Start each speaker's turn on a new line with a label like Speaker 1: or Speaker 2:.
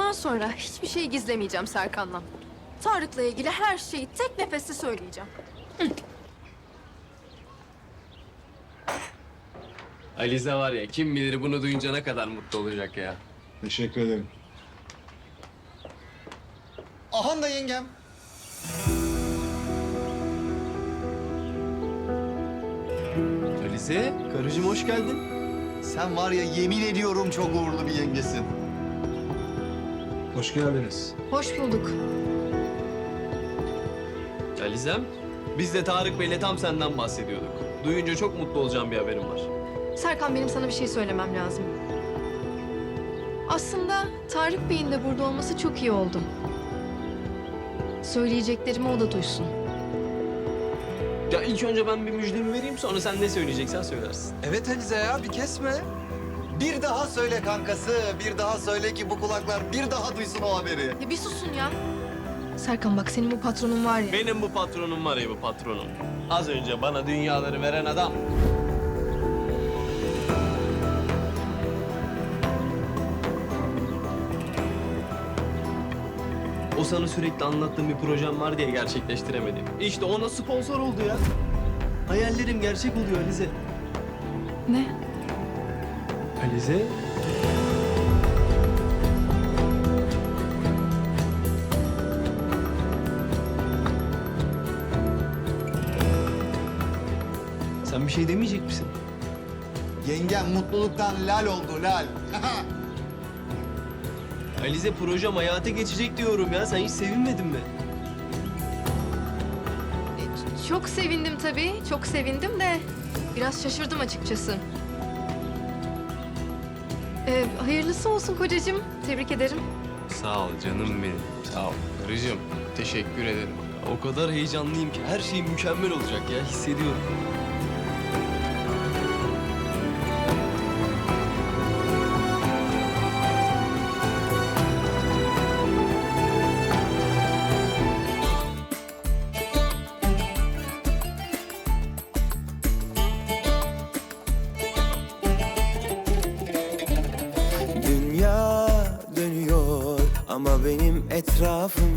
Speaker 1: Bundan sonra hiçbir şey gizlemeyeceğim Serkan'dan. Tarık'la ilgili her şeyi tek nefeste söyleyeceğim.
Speaker 2: Alize var ya, kim bilir bunu duyunca ne kadar mutlu olacak ya.
Speaker 3: Teşekkür ederim.
Speaker 4: Ahan da yengem.
Speaker 2: Alize, karıcığım hoş geldin.
Speaker 4: Sen var ya yemin ediyorum çok uğurlu bir yengesin.
Speaker 3: Hoş geldiniz.
Speaker 1: Hoş bulduk.
Speaker 2: Alizem, biz de Tarık Bey'le tam senden bahsediyorduk. Duyunca çok mutlu olacağım bir haberim var.
Speaker 1: Serkan, benim sana bir şey söylemem lazım. Aslında Tarık Bey'in de burada olması çok iyi oldu. Söyleyeceklerimi o da duysun.
Speaker 2: Ya ilk önce ben bir müjdemi vereyim, sonra sen ne söyleyeceksen söylersin.
Speaker 4: Evet Alize ya bir kesme. Bir daha söyle kankası, bir daha söyle ki bu kulaklar bir daha duysun o haberi.
Speaker 1: Ya bir susun ya. Serkan bak, senin bu patronun var ya.
Speaker 2: Benim bu patronum var ya, bu patronum. Az önce bana dünyaları veren adam. O sana sürekli anlattığım bir projem var diye gerçekleştiremedim. İşte ona sponsor oldu ya. Hayallerim gerçek oluyor Alize.
Speaker 1: Ne?
Speaker 2: Alize? Sen bir şey demeyecek misin?
Speaker 4: Yengem mutluluktan lal oldu lal.
Speaker 2: Alize, projem hayata geçecek diyorum ya. Sen hiç sevinmedin mi?
Speaker 1: Çok sevindim tabii. Çok sevindim de biraz şaşırdım açıkçası. Hayırlısı olsun kocacığım. Tebrik ederim.
Speaker 2: Sağ ol canım benim. Sağ ol. Karıcığım, teşekkür ederim. O kadar heyecanlıyım ki her şey mükemmel olacak ya. Hissediyorum.
Speaker 5: Dünya dönüyor ama benim etrafım